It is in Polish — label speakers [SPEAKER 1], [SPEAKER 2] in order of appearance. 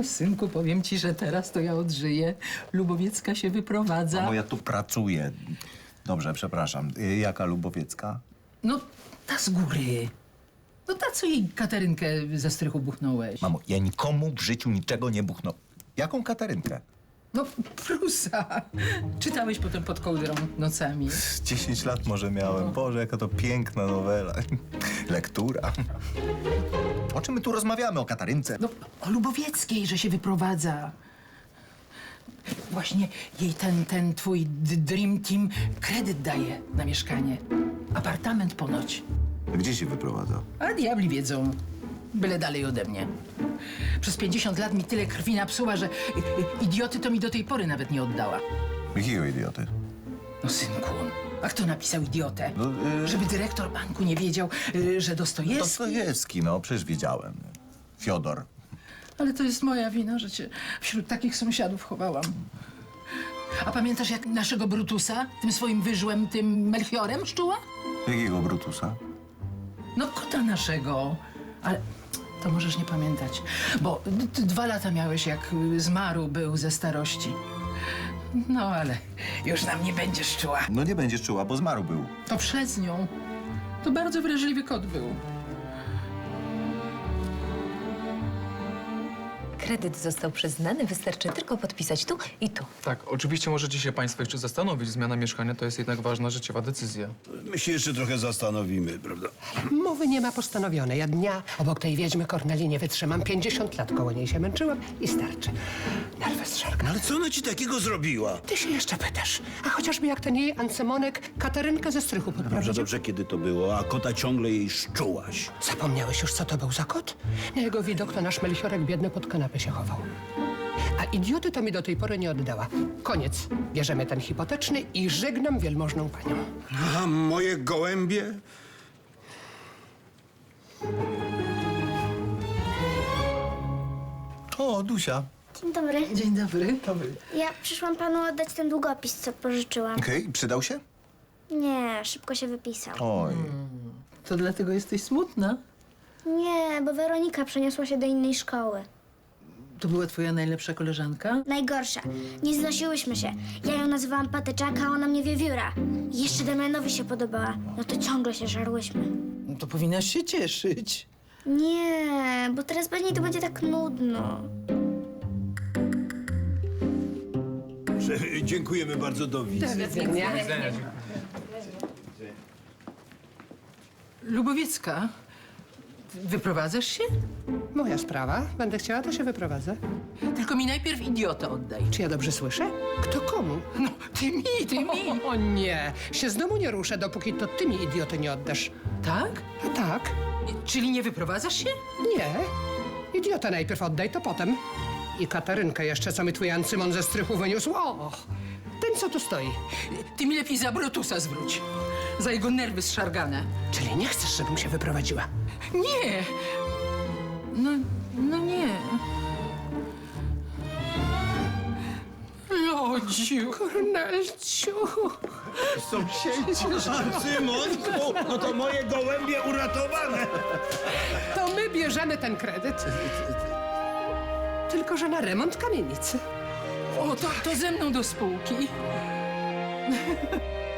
[SPEAKER 1] synku, powiem ci, że teraz to ja odżyję. Lubowiecka się wyprowadza.
[SPEAKER 2] Mamo, ja tu pracuję. Dobrze, przepraszam. Jaka Lubowiecka?
[SPEAKER 1] No, ta z góry. No ta, co jej Katarynkę ze strychu buchnąłeś.
[SPEAKER 2] Mamo, ja nikomu w życiu niczego nie buchnąłem. Jaką Katarynkę?
[SPEAKER 1] No, Prusa. Czytałeś potem pod kołdrą nocami.
[SPEAKER 2] 10 lat może miałem. Boże, jaka to piękna nowela. Lektura. O czym my tu rozmawiamy? O Katarynce?
[SPEAKER 1] No, o Lubowieckiej, że się wyprowadza. Właśnie jej ten twój Dream Team kredyt daje na mieszkanie. Apartament ponoć.
[SPEAKER 2] Gdzie się wyprowadza?
[SPEAKER 1] A diabli wiedzą. Byle dalej ode mnie. Przez 50 lat mi tyle krwi napsuła, że idioty to mi do tej pory nawet nie oddała.
[SPEAKER 2] Jakiego idioty?
[SPEAKER 1] No synku, a kto napisał idiotę?
[SPEAKER 2] No,
[SPEAKER 1] Żeby dyrektor banku nie wiedział, że Dostojewski...
[SPEAKER 2] Dostojewski, no przecież wiedziałem. Fiodor.
[SPEAKER 1] Ale to jest moja wina, że cię wśród takich sąsiadów chowałam. A pamiętasz jak naszego Brutusa, tym swoim wyżłem, tym Melchiorem szczuła?
[SPEAKER 2] Jakiego Brutusa?
[SPEAKER 1] No kota naszego. Ale to możesz nie pamiętać, bo ty 2 lata miałeś, jak zmarł był ze starości. No ale już nam nie będziesz czuła.
[SPEAKER 2] No nie będziesz czuła, bo zmarł był.
[SPEAKER 1] To przez nią. To bardzo wrażliwy kot był.
[SPEAKER 3] Kredyt został przyznany, wystarczy tylko podpisać tu i tu.
[SPEAKER 4] Tak, oczywiście możecie się państwo jeszcze zastanowić. Zmiana mieszkania to jest jednak ważna życiowa decyzja.
[SPEAKER 5] My się jeszcze trochę zastanowimy, prawda?
[SPEAKER 6] Mowy nie ma postanowionej. Ja dnia obok tej wiedźmy Korneli nie wytrzymam. 50 lat koło niej się męczyłam i starczy. Nerwy zszargane.
[SPEAKER 5] Ale co ona ci takiego zrobiła?
[SPEAKER 6] Ty się jeszcze pytasz. A chociażby jak ten jej Ancemonek Katarynkę ze strychu
[SPEAKER 5] Dobrze,
[SPEAKER 6] podprowadził.
[SPEAKER 5] dobrze, kiedy to było, a kota ciągle jej szczułaś.
[SPEAKER 6] Zapomniałeś już, co to był za kot? Na jego widok to nasz Melchiorek biedny pod kanapę się chował. A idioty to mi do tej pory nie oddała. Koniec. Bierzemy ten hipoteczny i żegnam wielmożną panią.
[SPEAKER 5] A moje gołębie?
[SPEAKER 2] O, Dusia.
[SPEAKER 7] Dzień dobry.
[SPEAKER 1] Dzień dobry.
[SPEAKER 7] Ja przyszłam panu oddać ten długopis, co pożyczyłam.
[SPEAKER 2] Okej, przydał się?
[SPEAKER 7] Nie, szybko się wypisał.
[SPEAKER 2] Oj.
[SPEAKER 1] To dlatego jesteś smutna?
[SPEAKER 7] Nie, bo Weronika przeniosła się do innej szkoły.
[SPEAKER 1] To była twoja najlepsza koleżanka?
[SPEAKER 7] Najgorsza. Nie znosiłyśmy się. Ja ją nazywałam Patyczaka, a ona mnie Wiewióra. I jeszcze Damianowi się podobała. No to ciągle się żarłyśmy.
[SPEAKER 1] No to powinnaś się cieszyć.
[SPEAKER 7] Nie, bo teraz bez niej to będzie tak nudno.
[SPEAKER 5] Dziękujemy bardzo, do widzenia.
[SPEAKER 1] Lubowiecka, wyprowadzasz się?
[SPEAKER 6] Moja sprawa. Będę chciała, to się wyprowadzę.
[SPEAKER 1] Tylko mi najpierw idiotę oddaj.
[SPEAKER 6] Czy ja dobrze słyszę? Kto komu?
[SPEAKER 1] No, ty mi.
[SPEAKER 6] O nie, się z domu nie ruszę, dopóki to ty mi idioty nie oddasz.
[SPEAKER 1] Tak?
[SPEAKER 6] A tak?
[SPEAKER 1] Czyli nie wyprowadzasz się?
[SPEAKER 6] Nie. Idiotę najpierw oddaj, to potem. I Katarynkę jeszcze, co mi twój Ancymon ze strychu wyniósł. O, ten, co tu stoi.
[SPEAKER 1] Ty mi lepiej za Brutusa zwróć. Za jego nerwy zszargane.
[SPEAKER 6] Czyli nie chcesz, żebym się wyprowadziła?
[SPEAKER 1] Nie. No nie. Lodziu.
[SPEAKER 6] Kornelciu.
[SPEAKER 5] Symonku, no to moje gołębie uratowane.
[SPEAKER 6] To my bierzemy ten kredyt. Tylko, że na remont kamienicy.
[SPEAKER 1] O, to ze mną do spółki.